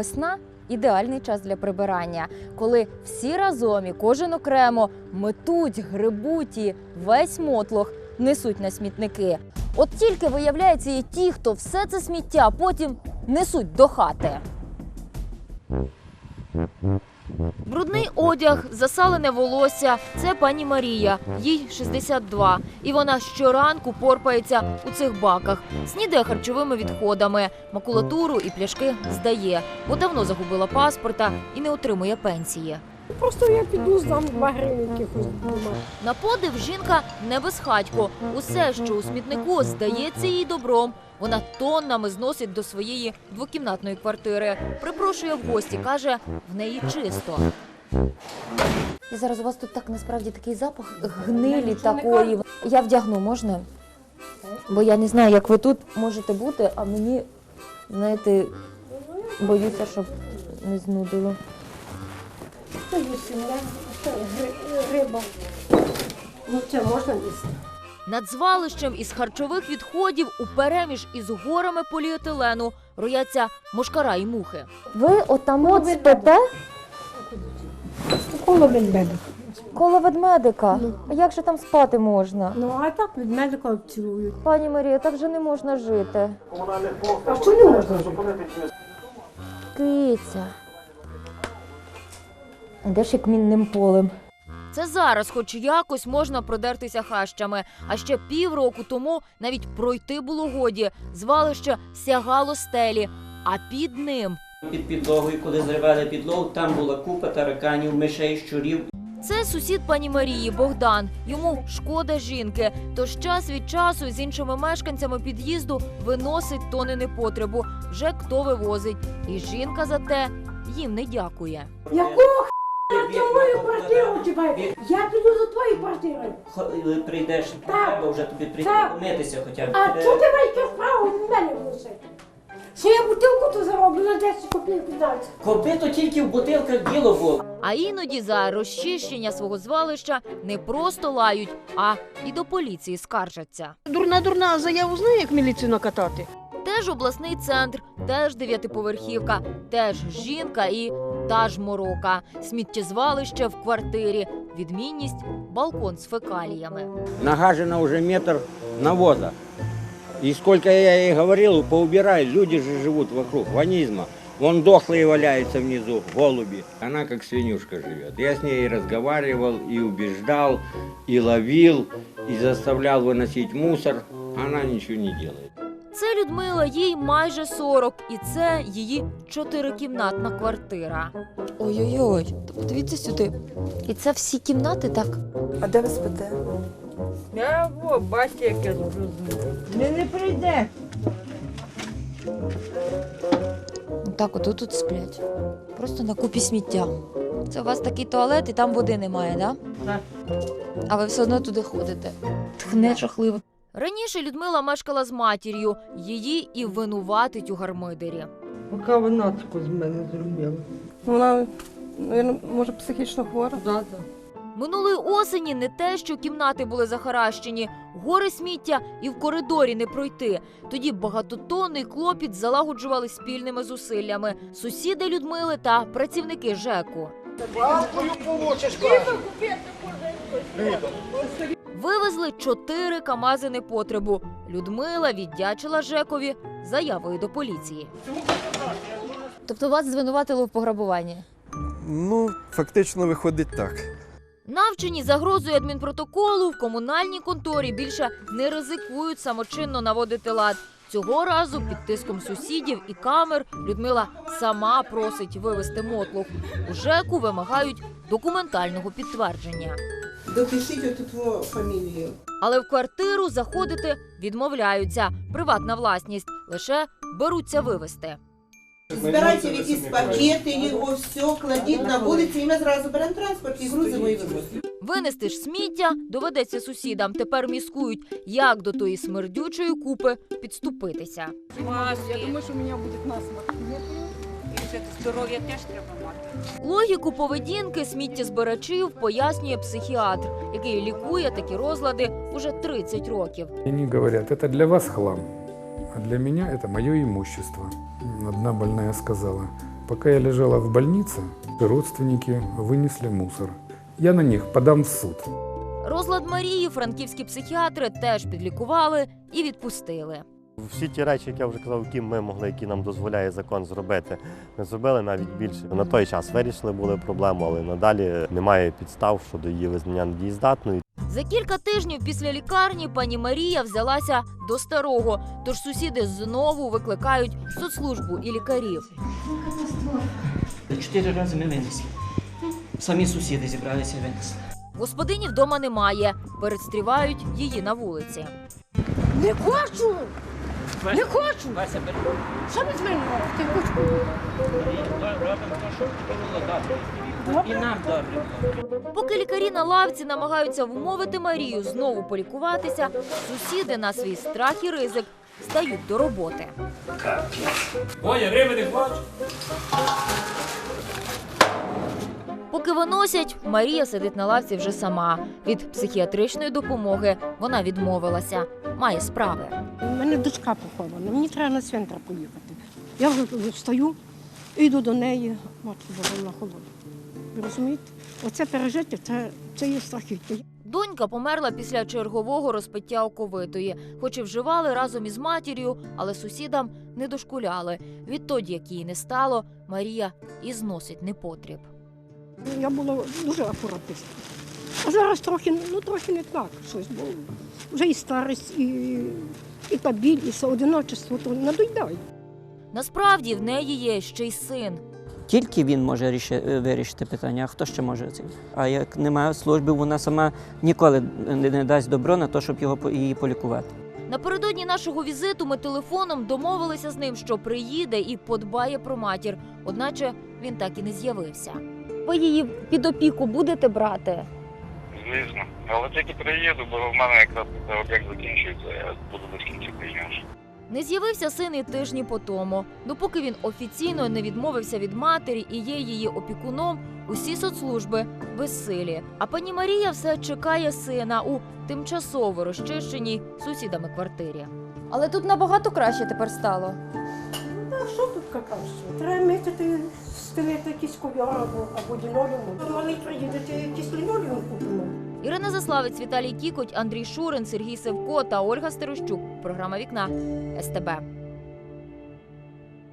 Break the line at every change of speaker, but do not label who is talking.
Весна – ідеальний час для прибирання, коли всі разом і кожен окремо метуть, грибуть і весь мотлох несуть на смітники. От тільки, виявляється, є ті, хто все це сміття потім несуть до хати. Брудний одяг, засалене волосся – це пані Марія, їй 62. І вона щоранку порпається у цих баках, снідає харчовими відходами, макулатуру і пляшки здає, бо давно загубила паспорта і не отримує пенсії.
Просто я піду, здам 2 гривні якихось дома.
На подив жінка не безхатько. Усе, що у смітнику, здається їй добром. Вона тоннами зносить до своєї двокімнатної квартири. Припрошує в гості, каже, в неї чисто. І зараз у вас тут так насправді такий запах гнилі такої. Я вдягну, можна? Бо я не знаю, як ви тут можете бути, а мені, знаєте, боюся, щоб не знудило.
Це їсти, це риба. Ну це можна їсти.
Над звалищем із харчових відходів упереміж із горами поліетилену рояться мошкара і мухи. Ви отам от спите?
Коло ведмедика.
Коло ведмедика? А як же там спати можна?
Ну а так ведмедика цілують.
Пані Марія, так же не можна жити.
А що не можна жити?
Киця. Де ж як мінним полем? Це зараз хоч якось можна продертися хащами. А ще півроку тому навіть пройти було годі. Звалище сягало стелі, а під ним...
Під підлогою, коли зривали підлогу, там була купа тараканів, мишей, щурів.
Це сусід пані Марії Богдан. Йому шкода жінки. Тож час від часу з іншими мешканцями під'їзду виносить тони непотребу. Вже хто вивозить. І жінка за те їм не дякує.
Якого на твою квартиру тебе? Я піду до твоєї квартири.
Коли прийдеш, треба вже тобі прийти помитися хоча б.
А що ти маєш справу від мене вносити? Що я бутилку то зароблю на 10 копійок віддати?
Копито тільки в бутилках діло було.
А іноді за розчищення свого звалища не просто лають, а і до поліції скаржаться.
Дурна, заяву знає, як міліцію накатати?
Теж обласний центр, теж 9-поверхівка, теж жінка і та ж морока. Сміттєзвалище в квартирі. Відмінність – балкон з фекаліями.
Нагажено уже метр навоза. И сколько я ей говорил, поубирай, люди же живут вокруг, ванизма. Вон дохлые валяются внизу, голуби. Она как свинюшка живет. Я с ней и разговаривал, и убеждал, и ловил, и заставлял выносить мусор. Она ничего не делает.
Це Людмила, їй майже 40, і це її 4-кімнатна квартира. Ой-ой-ой, подивіться сюди. І це всі кімнати, так?
А де ви спите?
Я бачите, як я зроблю. Не прийде.
Так, от тут сплять. Просто на купі сміття. Це у вас такий туалет, і там води немає, да?
Так.
А ви все одно туди ходите. Тхне жахливо. Раніше Людмила мешкала з матір'ю. Її і винуватить у гармидері.
Поки вона таку з мене зробила.
Вона, може, психічно хвора?
Да.
Минулої осені не те, що кімнати були захаращені, гори сміття і в коридорі не пройти. Тоді багатотонний клопіт залагоджували спільними зусиллями сусіди Людмили та працівники ЖЕКу. Вивезли 4 камази непотребу. Людмила віддячила ЖЕКові заявою до поліції. Тобто вас звинуватили в пограбуванні?
Ну, фактично виходить так.
Навчені загрозою адмінпротоколу в комунальній конторі більше не ризикують самочинно наводити лад. Цього разу під тиском сусідів і камер Людмила сама просить вивезти мотлух. У ЖЕКу вимагають документального підтвердження.
Допишіть оту твою фамілію.
Але в квартиру заходити відмовляються. Приватна власність. Лише беруться вивезти.
Збирайте в якісь пакети, його все, кладіть на вулиці, і ми зразу беремо транспорт і грузимо і вивозимо.
Винести ж сміття доведеться сусідам. Тепер міскують, як до тої смердючої купи підступитися.
Я думаю, що у мене буде насморк.
Здоров'я теж треба мати.
Логіку поведінки сміттєзбирачів пояснює психіатр, який лікує такі розлади уже 30 років.
Они говорят, это для вас хлам, а для меня это мое имущество. Одна больная сказала, Пока я лежала в больнице, родственники вынесли мусор. Я на них подам в суд.
Розлад Марії франківські психіатри теж підлікували і відпустили.
Всі ті речі, як я вже казав, які ми могли, які нам дозволяє закон зробити, ми зробили навіть більше. На той час вирішили були проблему, але надалі немає підстав щодо її визнання недієздатною.
За кілька тижнів після лікарні пані Марія взялася до старого, тож сусіди знову викликають соцслужбу і лікарів.
4 рази ми винесли. Самі сусіди зібралися і винесли.
Господині вдома немає, перестрівають її на вулиці.
Не хочу! Не хочу! Що ви з мене робите?
І нам добре.
Поки лікарі на лавці намагаються вмовити Марію знову полікуватися, сусіди на свій страх і ризик стають до роботи.
Ой, риби не хочу.
Поки виносять, Марія сидить на лавці вже сама. Від психіатричної допомоги вона відмовилася. Має справи.
У мене дочка похована, мені треба на цвинтар поїхати. Я вже встаю, йду до неї, матку Божа на холоду. Ви розумієте? Оце пережити, це є страхіття.
Донька померла після чергового розпиття оковитої. Хоч і вживали разом із матір'ю, але сусідам не дошкуляли. Відтоді, як її не стало, Марія і зносить непотріб.
Я була дуже акуратистка. А зараз трохи не так щось, бо вже і старість, і та біль, і все одиночество, то надоїдає.
Насправді в неї є ще й син.
Тільки він може вирішити питання, а хто ще може це? А як немає служби, вона сама ніколи не дасть добро на те, щоб її полікувати.
Напередодні нашого візиту ми телефоном домовилися з ним, що приїде і подбає про матір. Одначе він так і не з'явився. Ви її під опіку будете брати?
Звісно. Але тільки приїду, бо в мене якраз об'єкт закінчується, я буду до кінця приїжджати.
Не з'явився син і тижні по тому. Допоки він офіційно не відмовився від матері і є її опікуном, усі соцслужби безсилі. А пані Марія все чекає сина у тимчасово розчищеній сусідами квартирі. Але тут набагато краще тепер стало.
А що тут краще? Треба мити, стелити якийсь ков'яр або лінолеум. Вони приїдете, якийсь лінолеум купимо.
Ірина Заславець, Віталій Кікоть, Андрій Шурин, Сергій Севко та Ольга Стерощук. Програма «Вікна» СТБ.